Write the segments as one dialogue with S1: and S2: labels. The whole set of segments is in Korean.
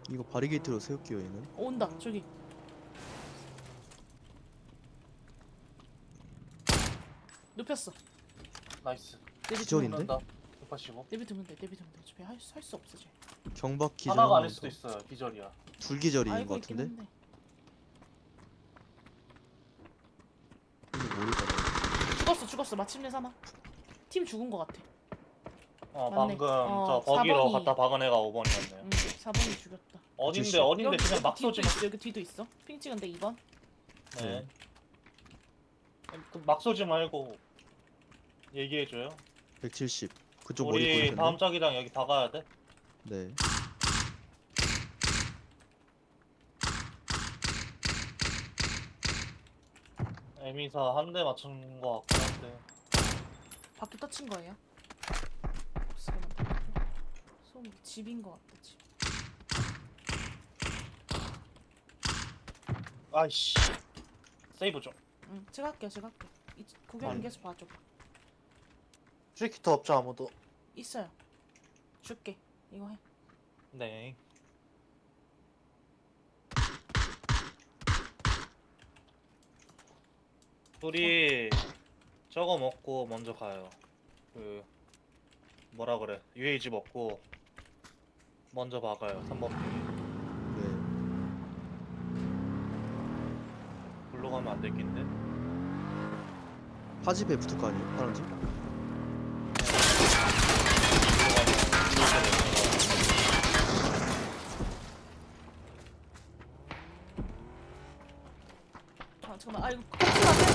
S1: 이거 바리게이트로 세울게요 얘는.
S2: 온다 저기. 눕혔어.
S3: 나이스.
S1: 기절인데?
S3: 다 185.
S2: 내비두면 돼. 내비두면 돼. 어차피 할수 없어 쟤.
S1: 경박 기절.
S3: 하나가
S1: 한
S3: 아닐
S1: 번
S3: 수도
S1: 더.
S3: 있어요. 기절이야.
S1: 둘 기절인
S2: 알고
S1: 것
S2: 있긴
S1: 같은데?
S2: 한데.
S1: 이거 모르겠다.
S2: 죽었어. 마침내 사망. 팀 죽은 거 같아.
S3: 방금
S2: 맞네.
S3: 저 버기로
S2: 4번이.
S3: 갖다 박은 애가 5번이었네요.
S2: 응. 4번이 죽였다.
S3: 어딘데
S1: 여기
S3: 그냥 막
S2: 뒤도
S3: 쏘지.
S2: 있어. 여기 뒤도 있어. 핑 찍은데 2번.
S3: 네. 막 쏘지 말고 얘기해줘요.
S1: 170. 그쪽 머리
S3: 우리
S1: 보이셨네.
S3: 다음 짝이랑 여기 박아야 돼.
S1: 네.
S3: 에미사 한 대 맞춘 거 같긴 한데.
S2: 바퀴 터친 거예요? 솜 집인 거 같다 집.
S3: 아이씨. 세이브 좀.
S2: 응. 제가 할게요. 구경은 계속 봐줘.
S3: 트리키터 없죠 아무도.
S2: 있어요. 줄게. 이거 해.
S3: 네. 우리 저거 먹고 먼저 가요. 그 뭐라 그래? UAG 먹고 먼저 박아요. 3번 핑.
S1: 네.
S3: 글로 가면 안 되겠는데?
S1: 파집에 붙을 거 아니에요? 파란집?
S3: 글로 가면 이렇게 되는
S2: 아 잠깐만. 아 이거 꺾지 마세요.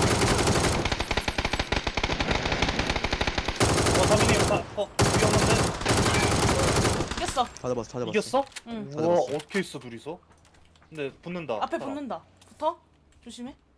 S3: 거. 사민이 위험한데?
S2: 이겼어.
S1: 다 잡았어.
S2: 응.
S1: 다 잡았어.
S3: 어떻게 있어 둘이서? 근데 붙는다.
S2: 앞에
S3: 사람.
S2: 붙는다. 붙어. 조심해.